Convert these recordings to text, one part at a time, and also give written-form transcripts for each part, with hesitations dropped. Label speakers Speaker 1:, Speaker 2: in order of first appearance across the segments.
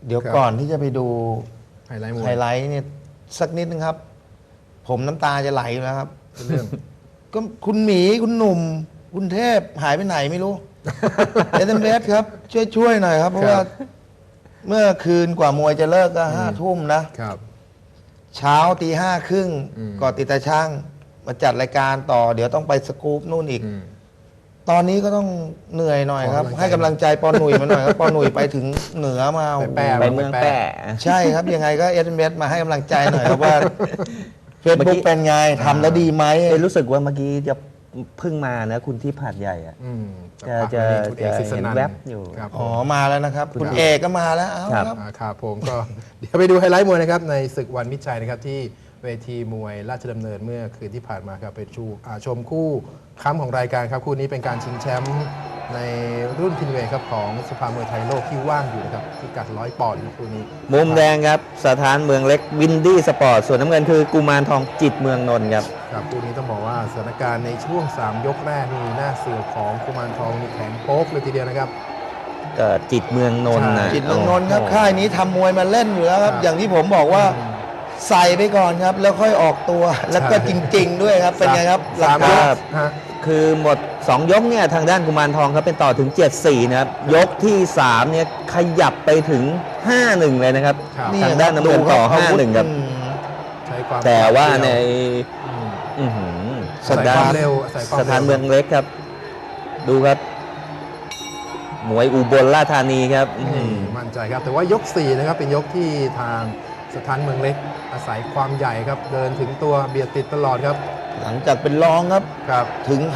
Speaker 1: เดี๋ยวก่อนที่จะไปดู
Speaker 2: ไฮไลท์มวย
Speaker 1: ไฮไลท์เนี่ยสักนิดนึงครับ ผมน้ำตาจะไหลอยู่แล้วครับ
Speaker 2: เรื่อง
Speaker 1: ก็คุณหมีคุณหนุ่ม คุณเทพหายไปไหนไม่รู้ เอเดนเบสครับ ช่วยหน่อยครับ เพราะว่าเมื่อคืนกว่ามวยจะเลิกก็5 ทุ่มนะ
Speaker 2: ครับ
Speaker 1: เช้าตี 5 ครึ่ง ก่อนติดตาช่างมาจัดรายการต่อ เดี๋ยวต้องไปสกู๊ปนู่นอีก ตอนนี้ก็ต้องเหนื่อยหน่อยครับ ให้กำลังใจปอหนุ่ยมาหน่อยครับ ปอหนุ่ยไปถึงเหนือมา
Speaker 2: แปะ
Speaker 3: ไปเมืองแปะ
Speaker 1: ใช่ครับ ยังไงก็เอสเมมาให้กำลังใจหน่อยครับว่าเฟซบุ๊กเป็นไงทำแล้วดีไหม
Speaker 3: รู้สึกว่าเมื่อกี้จะเพิ่งมานะคุณที่ผาดใหญ่อะ จะเห็นแวบอยู่
Speaker 2: ครับ
Speaker 1: อ๋อมาแล้วนะครับ คุณเอกก็มาแล้วเอา
Speaker 3: ครับ
Speaker 1: ครับ
Speaker 2: ครับผมก็ เดี๋ยวไปดูไฮไลท์มวยนะครับในศึกวันมิตรชัยนะครับที่เวทีมวยราชดำเนินเมื่อคืนที่ผ่านมาครับไปชมคู่ค้ำของรายการครับคู่นี้เป็นการชิงแชมป์ในรุ่นพินเวทครับของสภามวยไทยโลกที่ว่างอยู่นะครับพิกัด100 ปอนด์ครับคู่นี้
Speaker 3: มุมแดงครับสถานเมืองเล็กวินดี้สปอร์ตส่วนน้ำเงินคือกุมารทองจิตเมืองนนท์ครับ
Speaker 2: ครับคู่นี้ต้องบอกว่าสถานการณ์ในช่วง 3 ยกแรกนี่หน้าเสือของกุมารทองนี่แข็งโป๊กเลยทีเดียวนะครับ
Speaker 3: ก็จิตเมืองนนท์นะ
Speaker 1: จิตเมืองนนท์ครับ
Speaker 3: โอ้โห
Speaker 1: ค่ายนี้ทำมวยมาเล่นอยู่แล้วครับ
Speaker 2: ครับ
Speaker 1: อย่างที่ผมบอกว่าใส่ไปก่อนครับ แล้วค่อยออกตัวแล้วก็จริง ๆ ด้วยครับ เป็นไงครับหลัก
Speaker 2: สาม
Speaker 1: กาย ร
Speaker 2: กฮะ
Speaker 3: คือหมด 2 ยกเนี่ยทางด้านกุมารทองเขาเป็นต่อถึง 7-4 นะครับ ยกที่ 3 เนี่ยขยับไปถึง 5-1 เลยนะครับ
Speaker 2: ครับ
Speaker 3: ทางด้านน้ำเงินต่อ 5-1 ครับ
Speaker 2: ใช้ความ
Speaker 3: แต่ว่าใน
Speaker 2: อืม
Speaker 3: อื้อหือ
Speaker 2: อาศัยความเร็วอาศัยความ
Speaker 3: สถานเมืองเล็กครับ ดูครับมวยอุบลราชธานีครับอื้อหื
Speaker 2: นี่
Speaker 3: อ
Speaker 2: มั่นใจครับแต่ว่ายก 4 นะครับเป็นยกที่ทางสถานเมืองเล็ก อาศัยความใหญ่ครับเดินถึงตัวเบียดติดตลอดครับ
Speaker 1: หลังจากเป็นรองครับ
Speaker 2: ครับ
Speaker 1: ถึง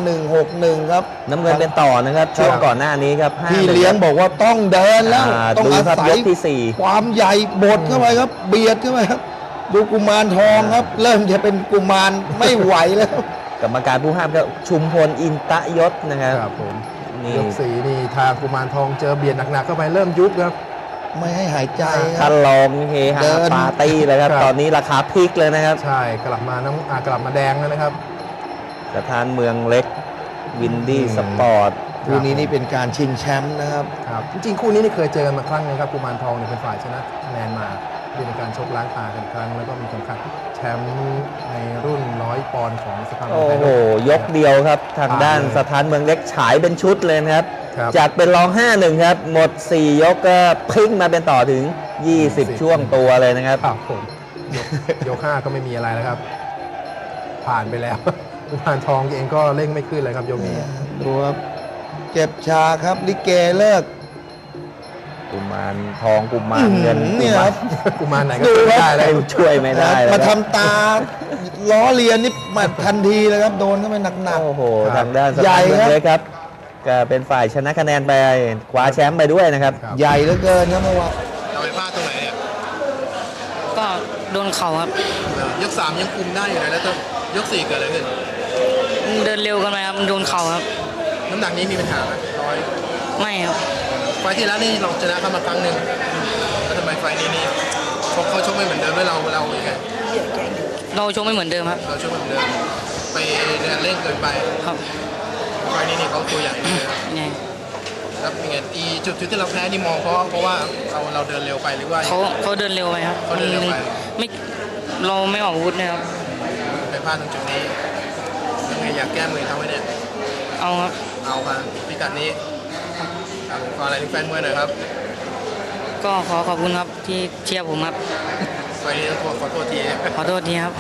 Speaker 1: 5161 ครับ
Speaker 3: น้ำเงินเป็นต่อนะครับช่วงก่อนหน้านี้ครับ
Speaker 1: พี่เลี้ยงบอกว่าต้องเดินแล้ว ต้อง
Speaker 3: ดู
Speaker 1: อา
Speaker 3: ครับ
Speaker 1: ศั
Speaker 3: ย
Speaker 1: ย
Speaker 3: กที่ 4
Speaker 1: ความใหญ่บดเข้าไปครับ เบียดเข้าไปครับ ดูกุมารทองครับ เริ่มจะเป็นกุมารไม่ไหวแล้ว
Speaker 3: กรรมการผู้ห้ามก็ชุมพลอินตะยศนะครับ
Speaker 2: ครับผม
Speaker 3: นี่
Speaker 2: ยก 4 นี่ทางกุมารทองเจอเบียดหนักๆเข้าไปเริ่มยุบครับ
Speaker 1: ไม่ให้หายใจค
Speaker 3: ท่า
Speaker 1: รับ
Speaker 3: นรองเฮฮา
Speaker 1: เดิน
Speaker 3: ปาร์ตี้เลยครับ
Speaker 2: ครับ
Speaker 3: ตอนนี้ราคาพลิกเลยนะครับ
Speaker 2: ใช่กลับมากลับมาแดงแล้วนะครับ
Speaker 3: สถานเมืองเล็กวินดี้สปอร์ต
Speaker 1: คู่นี้นี่เป็นการชิงแชมป์นะครับ
Speaker 2: ครับจริงๆคู่นี้นี่เคยเจอกันมาครั้งนึงครับกุมารทองเนี่ยเป็นฝ่ายชนะคะแนนมาเป็นการชกล้างตากันครั้งแล้วก็มีเข็มขัดแชมป์ในรุ่น100 ปอนด์ของสภามวย
Speaker 3: โอ้
Speaker 2: ไทย
Speaker 3: โห
Speaker 2: โลก
Speaker 3: ยกเดียวครับ ทางด้าน
Speaker 2: ผ่านเลย
Speaker 3: สถานเมืองเล็กฉายเป็นชุดเลยนะครับ
Speaker 2: ครับ
Speaker 3: จากเป็นรอง 5-1 ครับ หมด 4 ยกก็พลิกมาเป็นต่อถึง 20 ช่วงตัวเลยนะครับ
Speaker 2: ครับผมยก 5 ก็ไม่มีอะไรแล้วครับ ผ่านไปแล้ว กุมารทองเองก็เร่งไม่ขึ้นเลยครับยกนี้
Speaker 1: ดูครับเจ็บชาครับ ลิเกเลิก
Speaker 3: กุมารทองกุมารเงิน
Speaker 1: เนี่ยครับ
Speaker 2: กุมารไหนก็
Speaker 1: ดู
Speaker 2: ช่วย
Speaker 1: ครับ
Speaker 2: ไม่ได้เลย
Speaker 3: ช่วยไม่ได้เลย
Speaker 1: มา
Speaker 3: ครับ
Speaker 1: ทำตาล้อเลียนนี่มาทันทีเลยครับ โดนเข้าไปหนัก
Speaker 3: โอ้โห
Speaker 2: ครับ
Speaker 3: ทางด้านส
Speaker 1: ใหญ่
Speaker 3: ถานเมือง
Speaker 1: ครับ
Speaker 3: เล็กครับ ก็เป็นฝ่ายชนะคะแนนไปคว้าแชมป์ไปด้วยนะครับ
Speaker 2: ครับ
Speaker 1: ๆ ใหญ่เหลือเกินครับเมื่อวาน
Speaker 2: เราไปพลาดตรงไหนเนี่ย
Speaker 4: ก็โดนเข่าครับ
Speaker 2: ยก 3 ยังคุมได้อยู่นะแล้วยก 4 เกิดอะไรขึ้น
Speaker 4: เดินเร็วกันไปครับโดนเข่าครับ
Speaker 2: น้ำหนักนี้มีปัญหาไหมร้อย
Speaker 4: ไม่ครับ
Speaker 2: ไฟล์ที่แล้วนี่เราชนะเข้ามาครั้งหนึ่งแล้วทำไมไฟล์นี้นี่เขาชกไม่เหมือนเดิมแล้วเราอย่างไง
Speaker 4: เราชกไม่เหมือนเดิมครับ
Speaker 2: เราชกไม่เหมือนเดิมไปเดินเร่งเกินไป
Speaker 4: ครับ
Speaker 2: ไฟล์นี้นี่เขาตัวใหญ่เลย
Speaker 4: ยังไง
Speaker 2: แล้วเป็นไงจุดที่เราแพ้นี่มองเพราะว่าเราเดินเร็วไปหรือว่า
Speaker 4: เขาเดินเร็วไปครับ
Speaker 2: เขาเดินเร็วไป
Speaker 4: ไม่เราไม่ออกอาวุธนะครับ
Speaker 2: ไปพลาดตรงจุดนี้ยังไงอยากแก้มือเขาไว้เนี่ย
Speaker 4: เอาครับ
Speaker 2: เอาครับพิกัดนี้ครับผมขออะไรถึงแฟนมวยหน่อยครับ
Speaker 4: ก็ขอขอบคุณครับที่เชียร์ผมครับ
Speaker 2: ไฟล์นี้ต้องขอโทษที
Speaker 4: ขอโทษทีครับ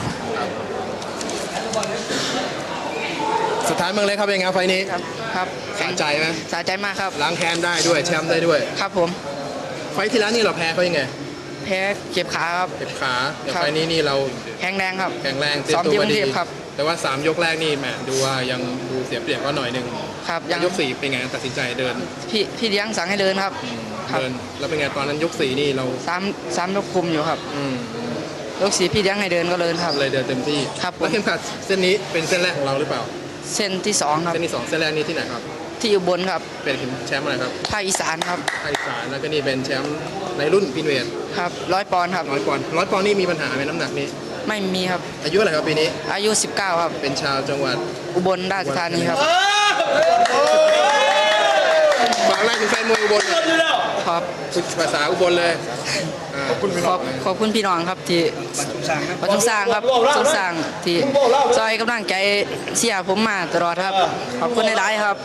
Speaker 2: สุดท้ายเมืองเล็กครับเป็นไงไฟล์นี้
Speaker 4: ครับ
Speaker 2: สะใจไหม
Speaker 4: สะใจมากครับ
Speaker 2: ล้างแค้นได้ด้วยแชมป์ได้ด้วย
Speaker 4: ครับผม
Speaker 2: ไฟล์ที่แล้วนี่เราแพ้เขายังไง
Speaker 4: แพ้เจ็บขาครับ
Speaker 2: เจ็บขาแต่
Speaker 4: ครับ
Speaker 2: ไฟล์นี้นี่เรา
Speaker 4: แข็งแรงครับ
Speaker 2: แข็งแรง
Speaker 4: ซ้อมที่กรุงเทพครับ
Speaker 2: แต่ว่า 3 ยกแรกนี่แหมดูว่ายังดูเสียเปรียบก็หน่อยหนึง
Speaker 4: ครับยัง
Speaker 2: ยก 4 เป็นไงตัดสินใจเดิน
Speaker 4: พี่เลี้ยงสั่งให้เดินครับ ครับ
Speaker 2: เดินแล้วเป็นไงตอนนั้นยก 4 นี่เรา
Speaker 4: สามยกคุมอยู่ครับ
Speaker 2: อืม
Speaker 4: ยก 4พี่เลี้ยงให้เดินก็เดินครับ
Speaker 2: เลยเดินเต็มที่
Speaker 4: ครับผม
Speaker 2: แล้วเข็มขัดเส้นนี้เป็นเส้นแรกของเราหรือเปล่า
Speaker 4: เส้นที่สองครับ
Speaker 2: เส้นที่ 2 เส้นแรกนี่ที่ไหนครับ
Speaker 4: ที่อุบลครับ
Speaker 2: เป็นแชมป์อะไรครับ
Speaker 4: ภาคอีสานครับ
Speaker 2: ภาคอีสานแล้วก็นี่เป็นแชมป์ในรุ่นพินเวท
Speaker 4: ครับ100 ปอนด์ครับ
Speaker 2: 100 ปอนด์100 ปอนด์นี่มีปัญหาไหมน้ำหนักนี้
Speaker 4: ไม่มีครับ
Speaker 2: อายุอะไรครับปีนี้
Speaker 4: อายุ 19 ครับ
Speaker 2: เป็นชาวจังหวัด
Speaker 4: อุบลราชธานีครับ
Speaker 2: ฝากแรกถึงแฟนมวยอุบล
Speaker 4: ขอครับ
Speaker 2: พูดภาษาอุบลเลยขอบคุณพี่น้อง
Speaker 4: ขอบคุณพี่น้องครับที่บันทุกสร้างครับทุกสร้างที่ซอยกำลังใจเชียร์ผมมาตลอดครับขอบคุณหลายๆครับ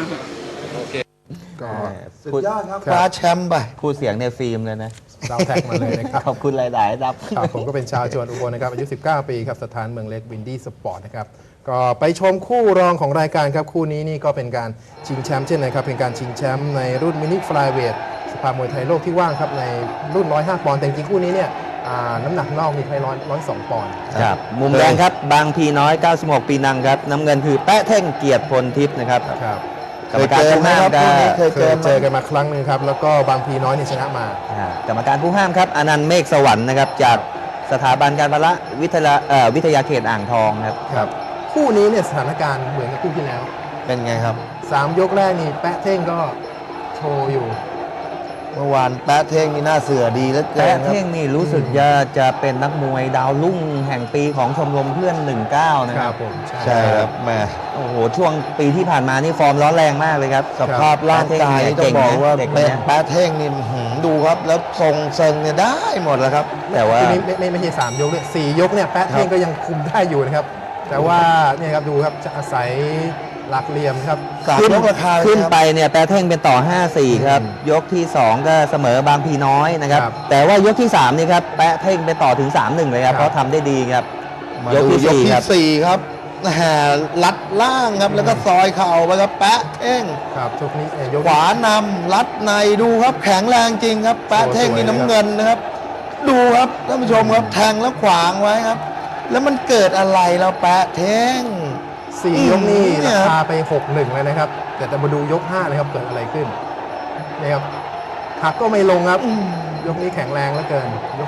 Speaker 2: ก็
Speaker 1: สุดยอดครับคว้าแชมป์ไป
Speaker 3: พูดเสียงในฟิล์มเลยนะ
Speaker 2: เราแท็กมาเลยนะครับ
Speaker 3: ขอบคุณหลายๆครับ
Speaker 2: ครับผมก็เป็นชาวจังหวัดอุบลนะครับอายุ 19 ปีครับสถานเมืองเล็กวินดี้สปอร์ตนะครับก็ไปชมคู่รองของรายการครับคู่นี้นี่ก็เป็นการชิงแชมป์เช่นนะครับเป็นการชิงแชมป์ในรุ่นมินิฟลายเวทสภามวยไทยโลกที่ว่างครับในรุ่น 105 ปอนด์แต่จริงๆคู่นี้เนี่ยน้ำหนักนอกนี่ใช้102 ปอนด์
Speaker 3: ครับ มุมแดงครับ บางพีน้อย 96 ปีนังครับ น้ำเงินคือแปะเท่งเกียรติพลทิพย์นะครับ
Speaker 2: ครับ
Speaker 3: กรรมการผู้ห้าม
Speaker 1: เคยเจอไหมครับ
Speaker 3: ก็
Speaker 1: คู่นี้
Speaker 2: เคยเจอกันมาครั้งหนึ่งครับแล้วก็บางพีน้อยนี่ชนะมา
Speaker 3: กรรมการผู้ห้ามครับอนันต์เมฆสวรรค์นะครับจากสถาบันการพละวิทยาเขตอ่างทองครับ
Speaker 2: ครับคู่นี้เนี่ยสถานการณ์เหมือนกับคู่ที่แล้ว
Speaker 1: เป็นไงครับ
Speaker 2: 3 ยกแรกนี่แปะเท่งก็โชว์อยู่
Speaker 1: เมื่อวานแป๊ะเท่งนี่น่าเสือดีแล้วเกิ
Speaker 3: แปะ
Speaker 1: นครับ
Speaker 3: เท่งนี่รู้สึกจะเป็นนักมวยดาวรุ่งแห่งปีของชมรมเพื่อน 19 นะ
Speaker 2: ค
Speaker 3: ค
Speaker 2: รั
Speaker 3: รั
Speaker 2: บบ ผม
Speaker 1: ใช่ครับแหม่
Speaker 3: โอ้โห ช่วงปีที่ผ่านมานี่ฟอร์มร้อนแรงมากเลยครับ
Speaker 1: สภาพร่างกายนี่ต้องบอกว่า
Speaker 3: เด็ก
Speaker 1: แป๊ะ
Speaker 3: นะ
Speaker 1: แป๊ะเท่งนี่ดูครับ แล้วทรงเซิงเนี่ยได้หมดแล้วครับ
Speaker 3: แต่ว่า
Speaker 2: ทีนี้ไม่ใช่3 ยกด้วย4 ยกเนี่ยแปะเท่งก็ยังคุมได้อยู่นะครับ แต่ว่าเนี่ยครับดูครับจะอาศัยหลักเหลี่ยมครับ
Speaker 1: สามยกราคาเลย
Speaker 3: ขึ้น
Speaker 1: ครับ
Speaker 3: ไปเนี่ยแปรเท่งเป็นต่อ 5-4 ครับ ยกที่ 2 ก็เสมอบางพีน้อยนะครับ
Speaker 2: ครับ
Speaker 3: แต่ว่ายกที่ 3 นี่ครับแปะเท่งเป็นต่อถึง 3-1 เลยครับ
Speaker 2: ครับ
Speaker 3: เพราะทำได้ดีครับ
Speaker 1: มาย
Speaker 3: ก
Speaker 1: ดู
Speaker 3: ที่
Speaker 1: ยก
Speaker 3: 4
Speaker 1: ที่
Speaker 3: ครับ
Speaker 1: สี่ครับแหมลัดล่างครับ แล้วก็ซอยเข่าไปครับแป๊ะเท่ง
Speaker 2: ครับทุกนี้ยก
Speaker 1: ขวานำลัดในดูครับแข็งแรงจริงครับ แป๊ะเท่งนี่น้ำเงินนะครับ ดูครับท่านผู้ชมครับแทงแล้วขวางไว้ครับ แล้วมันเกิดอะไรแล้วแป๊ะเท่ง
Speaker 2: 4 ยกนี่
Speaker 1: เนี่
Speaker 2: ราย
Speaker 1: ครับ
Speaker 2: คาไป 6-1 เลยนะครับ แต่จะมาดูยก5เลยครับเกิดอะไรขึ้นนี่ครับหักก็ไม่ลงครับ ยกนี้แข็งแรงเหลือเกินยก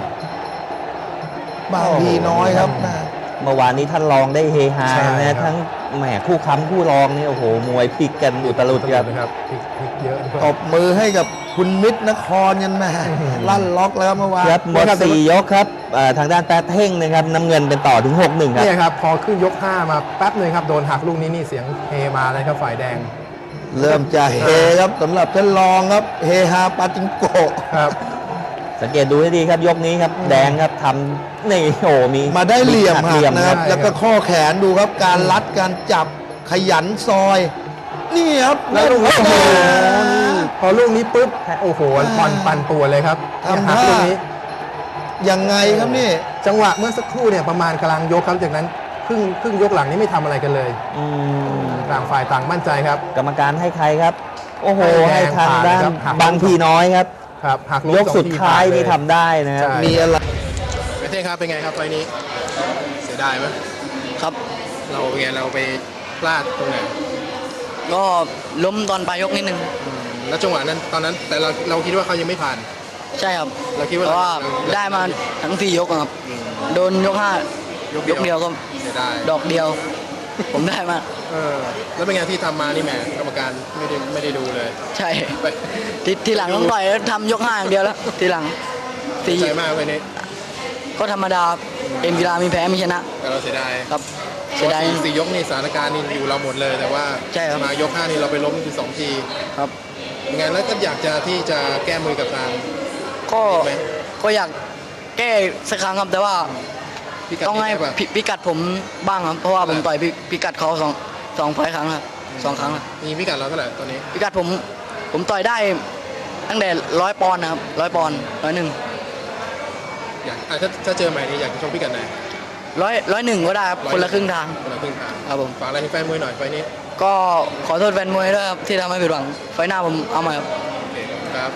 Speaker 1: บางทีน้อยครับนะ
Speaker 3: เมื่อวานนี้ท่านรองได้เฮฮา
Speaker 2: ใช่
Speaker 3: นะ
Speaker 2: ครับ
Speaker 3: ทั้งแหมคู่ค้ำคู่รองนี่โอ้โหมวยพลิกกันอุตลุด
Speaker 2: 4
Speaker 3: ครับ
Speaker 2: นะครับพลิกเยอะด้วย
Speaker 1: ตบมือให้กับคุณมิตรนครยันแม่ลั่นล็อกแล้วเมื่อวาน
Speaker 3: ครับหมด 4 ยกครับทางด้านแปรเท่งนะครับน้ำเงินเป็นต่อถึง 6-1 ครับ
Speaker 2: เนี่ยครับพอขึ้นยก 5 มาแป๊บหนึงครับโดนหักลูกนี้นี่เสียงเฮมาเลยครับฝ่ายแดง
Speaker 1: เริ่มจะเฮครับสำหรับท่านรองครับเฮฮาปาจิงโกะ
Speaker 2: ครับ
Speaker 3: สังเกตดูให้ดีครับยกนี้ครับแดงครับทำนี่โอ้โหมี
Speaker 1: มาได้เหลี่ยม
Speaker 3: หัก
Speaker 1: หักนะครับ
Speaker 2: ใช่
Speaker 1: แล้วก็ข้อแขนดูครับการรัดการจับขยันซอย นี่ครับ
Speaker 2: แล้วลูกนี้
Speaker 1: โอ้
Speaker 2: โอ้
Speaker 1: โห
Speaker 2: โหพอลูกนี้ปุ๊บโอ้โหปั่นตัวเลยครับ
Speaker 1: ทำ
Speaker 2: หัก
Speaker 1: ท่า
Speaker 2: ลูกนี้
Speaker 1: ยังไงครับนี่
Speaker 2: จังหวะเมื่อสักครู่เนี่ยประมาณกลางยกครับจากนั้นครึ่งยกหลังนี้ไม่ทำอะไรกันเลย
Speaker 3: อืม
Speaker 2: ต่างฝ่ายต่างมั่นใจครับ
Speaker 3: กรรมการให้ใครครับ โอ้โห
Speaker 2: ให้
Speaker 3: ให้
Speaker 2: แดง
Speaker 3: ทางด้าน
Speaker 2: ผ่านนะครับหัก
Speaker 3: บางพีน้อยครับ
Speaker 2: ครับหักลู
Speaker 3: ยกสุดท้ายนี่ทำได้นะครับ
Speaker 1: มีอะไร
Speaker 2: ไม่ใช่ครับเป็นไงครับไฟนี้เสียดายไหม
Speaker 4: ครับ
Speaker 2: เราเป็นไงเราไปพลาดตรงไหน
Speaker 4: ก็ล้มตอนปลายยกนิดนึง
Speaker 2: แล้วจังหวะนั้นตอนนั้นแต่เราคิดว่าเขายังไม่ผ่าน
Speaker 4: ใช่ครับ
Speaker 2: เราคิดว่า
Speaker 4: เพราะว่าได้มาทั้ง4 ยกอะครับ โดนยก 5 ยกเดียวก็
Speaker 2: เสียดาย
Speaker 4: ดอกเดียว ผมได้มา
Speaker 2: แล้วเป็นไงที่ทำมานี่แหมกรรมการไม่ได้ดูเลย
Speaker 4: ใช่
Speaker 2: ไป
Speaker 4: ทีหลังต้องต่อยแล้วทำยก 5 อย่างเดียวแล้วทีหลัง
Speaker 2: ดีใจมากไฟนี้
Speaker 4: ก็ธรรมดาเอ็มกีฬามีแพ้มีชนะ
Speaker 2: แต่เราเสียดาย
Speaker 4: ครับเสียดาย
Speaker 2: สี่ยกนี่สถานการณ์นี่อยู่เราหมดเลย แต่ว่า
Speaker 4: ใช่ครับ
Speaker 2: มายก 5นี่เราไปล้มคือ2 ที
Speaker 4: ครับ
Speaker 2: ยังไงแล้วก็อยากจะที่จะแก้มือกับทาง
Speaker 4: ก็
Speaker 2: ไหม
Speaker 4: ก็อยากแก้สักครั้งครับแต่ว่า
Speaker 2: พี่กัด
Speaker 4: ต้องให้
Speaker 2: ได้ปะ
Speaker 4: พิกัดผมบ้างครับเพราะว่าผมต่อยพิกัดเขาสองไฟล์ครั้งครับ2 ครั้งครับ
Speaker 2: มีพี่กัดเราเท่าไหร่ตอนนี้
Speaker 4: พิกัดผมต่อยได้ตั้งแต่100 ปอนด์นะครับ100 ปอนด์101
Speaker 2: อยากถ้าเจอใหม่นี่อยากจะชกพี่กัดไหน
Speaker 4: 101ก็ได้ครับคนละครึ่งทาง
Speaker 2: คนละครึ่งทาง
Speaker 4: ครับผม
Speaker 2: ฝากอะไรให้แฟนมวยหน่อยไฟนี้
Speaker 4: ก็ขอโทษแฟนมวยด้วยครับที่ทำให้ผิดหวังไฟล์หน้าผมเอาใหม่ครับ
Speaker 2: โอเคครับ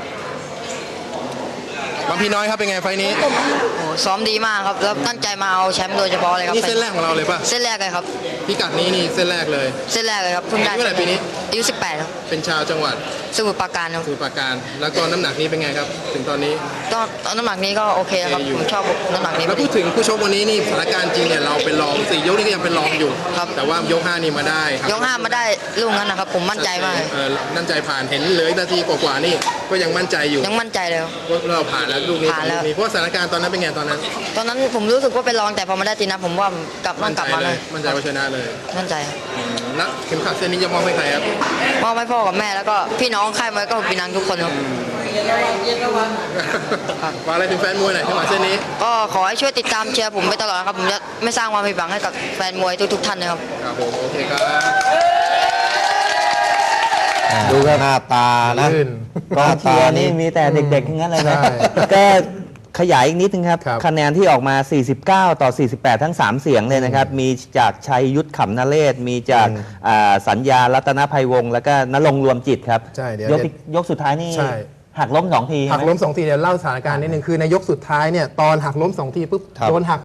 Speaker 2: บางพี่น้อยครับเป็นไงไฟนี้
Speaker 5: โอ้ซ้อมดีมากครับ แล้วตั้งใจมาเอาแชมป์โดยเฉพาะเลยครับ
Speaker 2: นี่เส้นแรกของเราเลยป่ะ
Speaker 5: เส้นแรกเลยครับ
Speaker 2: พี่กัดนี้นี่เส้นแรกเลย
Speaker 5: เส้นแรกเลยครับเพิ่งได้
Speaker 2: อายุเท่าไหร่ปีนี้
Speaker 5: อายุ18ครับ
Speaker 2: เป็นชาวจังหวัด
Speaker 5: สมุทรปราการครับ
Speaker 2: สมุทรปราการ แล้วก็น้ำหนักนี้เป็นไงครับ ถึงตอนนี้
Speaker 5: ตอนน้ำหนักนี้ก็โอเคครับ
Speaker 2: โอเคอยู่
Speaker 5: ผมชอบน้ำหนักนี้
Speaker 2: แล้วพูดถึงผู้ชกวันนี้นี่สถานการณ์จริงเนี่ยเราเป็นรอง4 ยกนี่ก็ยังเป็นรองอยู่
Speaker 5: ครับ
Speaker 2: แต่ว่ายก 5 นี่มาได้ครับ
Speaker 5: ยก5มาได้ลูกนั้นนะครับ ผมมั่นใจมาก
Speaker 2: มั่นใจผ่านเห็นเหลยนาทีกว่าๆนี่ก็ยังมั่นใจอยู่
Speaker 5: ยังมั่นใจเลยครับ
Speaker 2: ว่าเราผ่านแล้วลูกนี้
Speaker 5: ผ่านแล้ว
Speaker 2: มีเพราะสถานการณ์ตอนนั้นเป็นไงตอนนั้น
Speaker 5: ตอนนั้นผมรู้สึกว่าเป็นรองแต่พอมาได้ตีนะผมว่าต้อง
Speaker 2: มั่น
Speaker 5: ก
Speaker 2: ใจ
Speaker 5: ลับมา
Speaker 2: เล
Speaker 5: เลย ย
Speaker 2: มั่นใจว่าชนะเลย
Speaker 5: มั่นใจครับ
Speaker 2: แล้วเข็มขัดเส้นนี้จะมอบให้ใครครับ
Speaker 5: มอบให้พ่อกับแม่แล้วก็พี่น้องค่ายมวยก็พี่นังทุกคนครับ
Speaker 2: โอเคฝากอะไรถึงแฟนมวยหน่อยที่มาเส้นนี้
Speaker 5: ก็ขอให้ช่วยติดตามเชียร์ผมไปตลอดนะครับ ผมจะไม่สร้างความผิดหวังให้กับแฟนมวยทุกๆท่านนะครับ
Speaker 2: ครับผมโอเคครับ
Speaker 1: ดูครับหน้าตานะ
Speaker 2: ลื่น
Speaker 3: กองเชียร์นี่มีแต่เด็กๆทั้งนั้นเลยนะ
Speaker 2: ใช่
Speaker 3: ก็ขยายอีกนิดนึงครับ
Speaker 2: ครับ
Speaker 3: คะแนนที่ออกมา 49 ต่อ 48 ทั้ง 3 เสียงเลยนะครับ มีจากชัยยุทธขำนเรศ มีจากสัญญารัตนภัยวงศ์แล้วก็ณรงค์รวมจิตครับ
Speaker 2: ใช่เดี๋ยวย
Speaker 3: กสุดท้ายนี่
Speaker 2: ใช่
Speaker 3: หักล้ม2 ที
Speaker 2: หักล้ม2 ทีเดี๋ยวเล่าสถานการณ์นิดนึงคือในยกสุดท้ายเนี่ยตอนหักล้ม2 ทีปุ๊บ
Speaker 1: ครับ
Speaker 2: โดนหัก